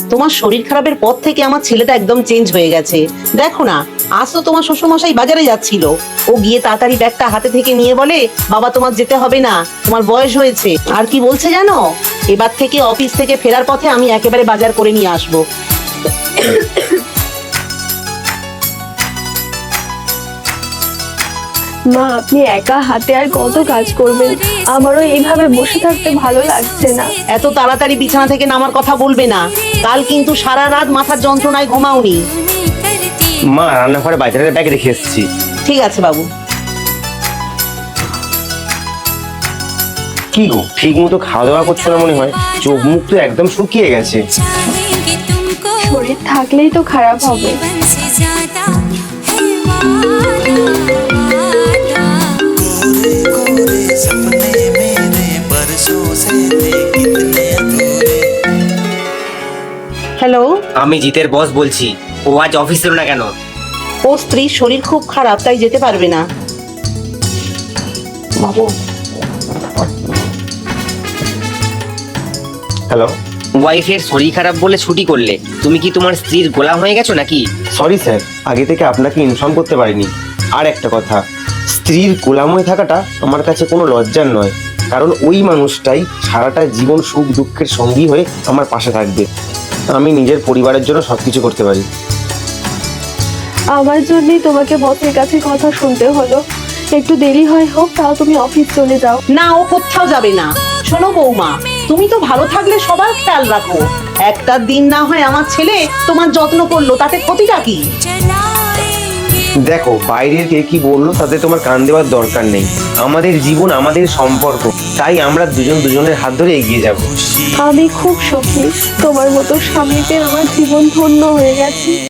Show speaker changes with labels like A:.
A: তোমার শরীর খারাপের পর থেকে আমার ছেলেটা একদম চেঞ্জ হয়ে গেছে। দেখো না, আজ তো তোমার শ্বশুরমশাই বাজারে যাচ্ছিল, ও গিয়ে তাড়াতাড়ি ব্যাগটা হাতে থেকে নিয়ে বলে, বাবা তোমার যেতে হবে না, তোমার বয়স হয়েছে। আর কি বলছে জানো, এবার থেকে অফিস থেকে ফেরার পথে আমি একেবারে বাজার করে নিয়ে আসবো।
B: মা, আপনি একা হাতে আর কত কাজ করবেন? আমারও এইভাবে বসে থাকতে ভালো লাগছে না।
A: এত তাড়াতাড়ি বিছানা থেকে নামার কথা বলবে না, কাল কিন্তু সারা রাত মাথার যন্ত্রণায় ঘুমাওনি।
C: মা, রান্নাঘরে বাজারের ব্যাগ রেখে এসেছি।
A: ঠিক আছে বাবু।
C: কি গো, ঠিক মতো খাওয়া দাওয়া করছো না মনে হয়, চোখ মুখ তো একদম শুকিয়ে গেছে।
B: শরীর থাকলেই তো খারাপ হবে।
A: হ্যালো,
D: আমি জিতের বস বলছি। ও আজ অফিস এলো না কেন?
A: ও স্ত্রীর শরীর খুব খারাপ, তাই যেতে পারবে না। বাবু,
C: হ্যালো।
D: ওয়াইফের শরীর খারাপ বলে ছুটি করলে, তুমি কি তোমার স্ত্রীর গোলাম হয়ে গেছো নাকি?
C: সরি স্যার, আগে থেকে আপনাকে ইনফর্ম করতে পারিনি। আর একটা কথা, স্ত্রীর গোলাম হয়ে থাকাটা আমার কাছে কোনো লজ্জার নয়, কারণ ওই মানুষটাই সারাটা জীবন সুখ দুঃখের সঙ্গী হয়ে আমার পাশে থাকবে। আমি নিজের পরিবারের জন্য সবকিছু করতে পারি।
B: আমার জন্যই তোমাকে বসের কাছে কথা শুনতে হলো। একটু দেরি হয় হোক, তাও তুমি অফিস চলে যাও।
A: না, ও কোথাও যাবে না। শোনো বৌমা, তুমি তো ভালো থাকলে সবার খেয়াল রাখো। একটা দিন না হয় আমার ছেলে তোমার যত্ন করলো, তাতে ক্ষতিটা কি?
C: দেখো, বাইরের কে কি বললো তাতে তোমার কান দেওয়ার দরকার নেই। আমাদের জীবন, আমাদের সম্পর্ক, তাই আমরা দুজন দুজনের হাত ধরে এগিয়ে যাব।
B: আমি খুব সুখী, তোমার মতো স্বামী পেয়ে আমার জীবন ধন্য হয়ে গেছে।